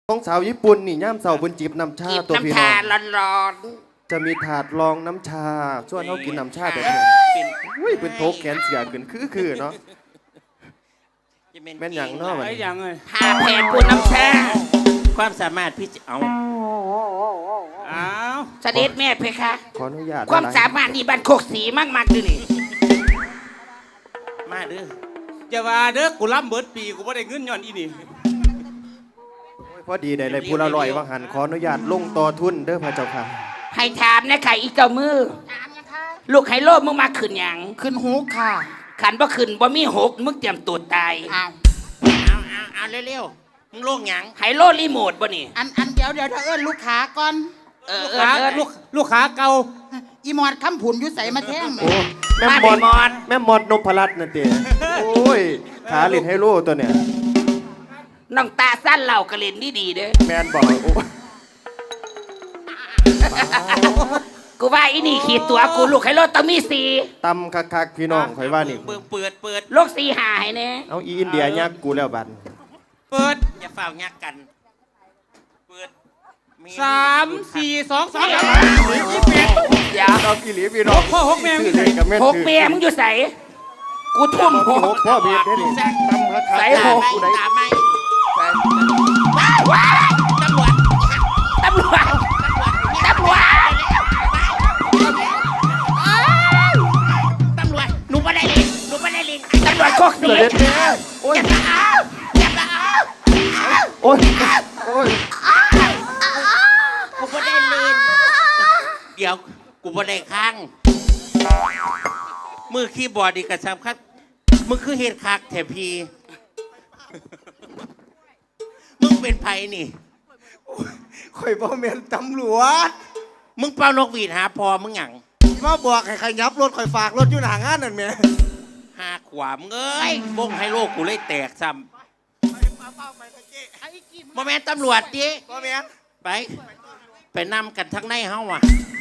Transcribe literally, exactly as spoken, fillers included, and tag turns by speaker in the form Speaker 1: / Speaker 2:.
Speaker 1: ของสาวญี่ปุ่นนี่ย่ามเสาบนจีบน้ำชาตัวพี่น้อง
Speaker 2: น้ำชาร้อน
Speaker 1: จะมีถาดรองน้ำชาส่วนเขากินน้ำชาแต่เพียงอุ้ยเป็นโทกแขนเสียขึ้นคือคือเนาะแม่นอย่างเนาะมัน
Speaker 3: ไอ้ยังไง
Speaker 2: ๆผ้าแผ่นปูน้ำชา
Speaker 4: ความสามารถพี่เอา
Speaker 3: อ้าว
Speaker 2: เสด็จแม่เพคะ
Speaker 1: ขออนุญาต
Speaker 2: ความสามารถนี่บันโคกสีมากๆดูนี่
Speaker 4: มาเด้อ
Speaker 3: อย่าว่าเด้อกูรับเบิดปีกูไม่ได้เงินย้อนอีนี่
Speaker 1: พอดีได้เลยผู้ละลอยวังหันขออนุญาตลงต่อทุนเด้อพระเจ้าค่ะ
Speaker 2: ให้ถามนะค่ะอีเจ้ามือลูกไฮโลมึงมาขึ้นหยัง
Speaker 5: ขึ้นหูค่ะ
Speaker 2: ขันบ่ขึ้นบ่มีหกมึงเตรียมตัวตาย
Speaker 5: อ้าว
Speaker 4: เอาเอาเอาเร็วๆมึงโลกหยัง
Speaker 2: ไฮโลรีโมทบ่นี่
Speaker 5: อันอันเดี๋ยวเดี๋ยวเธอเอิ้นลูกค้าก่อน
Speaker 2: เออ
Speaker 3: ลูก
Speaker 2: เออ
Speaker 3: ค้า
Speaker 2: เออ
Speaker 3: ลูกลูกค้าเก่า
Speaker 5: อีมอดคำผุนอยู่ใส่มาแท่ง
Speaker 1: โอ้แม่
Speaker 2: มา
Speaker 1: ม
Speaker 2: ไป
Speaker 1: อด
Speaker 2: มอน
Speaker 1: แม่มอดนพรัตน์นั่นเตียโอ้ยขาเล่นไฮโลตัวเนี่ย
Speaker 2: น้องตาสั้นเหล่ากระเล่นดีๆเด้อ
Speaker 1: แมนบอกโอ้
Speaker 2: กูว่าอีนี่ขีดตัวกูลูกไฮโลต้องมีสี่
Speaker 1: ตำคักๆพี่น้องข่อยว่านี่
Speaker 4: เปิดเปิดเปิด
Speaker 2: ลูกสี่หาให้แน่
Speaker 1: เอาอีอินเดียยักกูแล้วบัด
Speaker 3: เปิด
Speaker 4: อย่าฝ่าวยักกันเปิด
Speaker 3: สามสี่สองสาม
Speaker 2: ยี่สิบเอ็ดเดี๋ยว
Speaker 1: เรากี่หลีพี่น้อง
Speaker 3: พ่อหกแม่
Speaker 1: ชื่อเลยกับแม่
Speaker 2: หกเมียมึงอยู่ใส่กูทุ่มห
Speaker 1: ห
Speaker 2: ก
Speaker 1: กพ่อเบียดได้ดิตำคักๆ
Speaker 2: ใส่หก
Speaker 1: กูได้
Speaker 4: ตามไม่
Speaker 2: ว้ายตำรวจตำรวจตำรวจ
Speaker 4: ตำรวจหนูไม่ได้ลิงหนูไม่ได้ลิง
Speaker 2: ตำรวจโคก
Speaker 1: เส
Speaker 2: สี
Speaker 1: ด็จแม่โอ้ย
Speaker 2: อย่ามาเอา
Speaker 1: โอ้ยโอ้ย
Speaker 4: กูไม่ได้ลิงเดี๋ยวกูไม่ได้ข้างมือคีย์บอร์ดดีกระชับครับมึงคือเฮดคักแถพี มึงเป็นไผนี่
Speaker 6: ข่อยบ่แม่นตำรวจ
Speaker 4: มึงเป่านกหวีดหาพอมึงหยัง
Speaker 6: มาบอกให้ใครยับรถข่อยฝากรถอยู่หน้างานนั่นแหม่
Speaker 4: หาขวามเอ้ยวงให้โลกกูเลยแตกซ้ำโมแมนตำรวจดิ
Speaker 6: บ่แม่น
Speaker 4: ไป ไปนำกันทั้งในเฮาอ่ะ